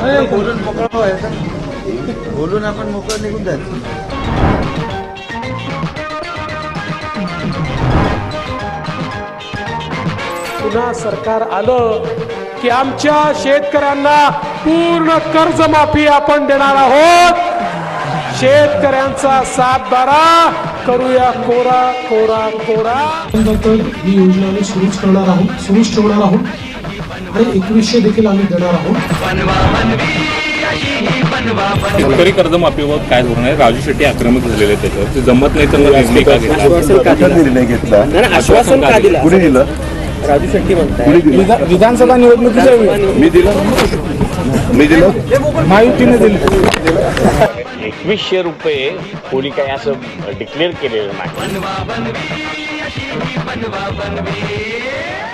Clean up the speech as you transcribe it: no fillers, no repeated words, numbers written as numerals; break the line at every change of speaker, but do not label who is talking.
बोलून मोकळं व्हायचं, बोलून आपण मोकळं निघून जायचं.
पुन्हा सरकार आलं की आमच्या शेतकऱ्यांना पूर्ण कर्जमाफी आपण देणार आहोत. शेतकऱ्यांचा सातबारा करूया कोरा कोरा कोरा.
तर ही योजना आम्ही सुरूच करणार आहोत, सुरूच ठेवणार आहोत आणि 2100 देखील आम्ही देणार आहोत.
शेतकरी कर्जमाफीवर काय धोरण आहे? राजू शेट्टी आक्रमक झालेले आहेत त्याच्यावर, ते जमत नाही तर निर्णय का घेतला?
आश्वासन का दिलं?
कुणी दिलं?
राजू शेट्टी म्हणतात
विधानसभा निवडणुकीच्या
मी दिलं, मी दिलं,
महायुतीने दिली.
2100 रुपये कोणी काही असं डिक्लेअर केलेलं नाही.